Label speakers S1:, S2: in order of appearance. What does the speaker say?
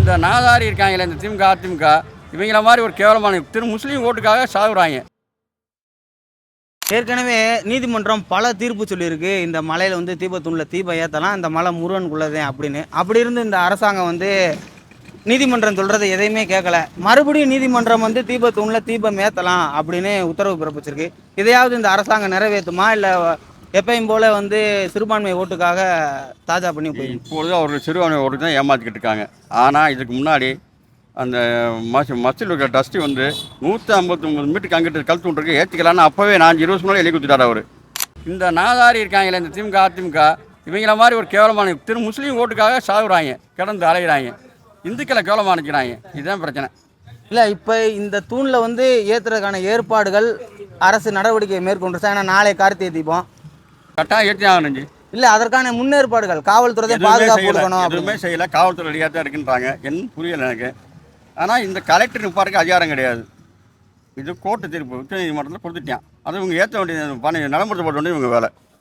S1: இந்த நாதாரி இருக்காங்களே இந்த திமுக அதிமுக இவங்கள மாதிரி ஒரு கேவலமான முஸ்லீம் ஓட்டுக்காக சாகுறாங்க.
S2: ஏற்கனவே நீதிமன்றம் பல தீர்ப்பு சொல்லியிருக்கு, இந்த மலையில் வந்து தீபத்தூணில் தீபம் ஏற்றலாம், இந்த மலை முருகனுக்குள்ளதே அப்படின்னு. அப்படி இருந்து இந்த அரசாங்கம் வந்து நீதிமன்றம் சொல்கிறத எதையுமே கேட்கல. மறுபடியும் நீதிமன்றம் வந்து தீபத்தூணில் தீபம் ஏற்றலாம் அப்படின்னு உத்தரவு பிறப்பிச்சிருக்கு. இதையாவது இந்த அரசாங்கம் நிறைவேற்றுமா, இல்லை எப்பயும் போல் வந்து சிறுபான்மை ஓட்டுக்காக தாஜா பண்ணி போயிடும்?
S1: இப்பொழுது அவர்கள் சிறுபான்மை ஓட்டு தான் ஏமாற்றிக்கிட்டு இருக்காங்க. ஆனால் இதுக்கு முன்னாடி அந்த மஸ்ஜில் இருக்கிற டஸ்ட்டு வந்து 159 மீட்டருக்கு அங்கிட்டு கழுத்து விட்டுருக்கு ஏற்றிக்கலான்னு அப்போவே நான் 20 முன்னாடி எழுதி கொடுத்துட்டார் அவர். இந்த நாதாரி இருக்காங்களே இந்த திமுக அதிமுக இவங்கள மாதிரி ஒரு கேவலமான முஸ்லீம் ஓட்டுக்காக சாகுறாங்க, கிடந்து அலைகிறாங்க, இந்துக்களை கேவலமானிக்கிறாங்க. இதுதான் பிரச்சனை.
S2: இல்லை, இப்போ இந்த தூணில் வந்து ஏற்றுறதுக்கான ஏற்பாடுகள் அரசு நடவடிக்கை மேற்கொண்டுருச்சா? ஏன்னா நாளை கார்த்திகை தீபம்
S1: கட்டாயம் ஏற்றி ஆகணுஞ்சு.
S2: இல்லை, அதற்கான முன்னேற்பாடுகள் காவல்துறை பாதுகாப்பு கொடுக்கணும்.
S1: எதுவுமே செய்யலை, காவல்துறை ரெடியாக தான் இருக்குன்றாங்க. என்ன புரியலை எனக்கு. ஆனால் இந்த கலெக்டர் நிற்பாருக்கு அதிகாரம் கிடையாது. இது கோர்ட்டு தீர்ப்பு உச்ச நீதிமன்றத்தில் கொடுத்துட்டான். அது இவங்க ஏற்ற வேண்டிய பணி நடைமுறைப்படுத்த வேண்டிய இவங்க வேலை.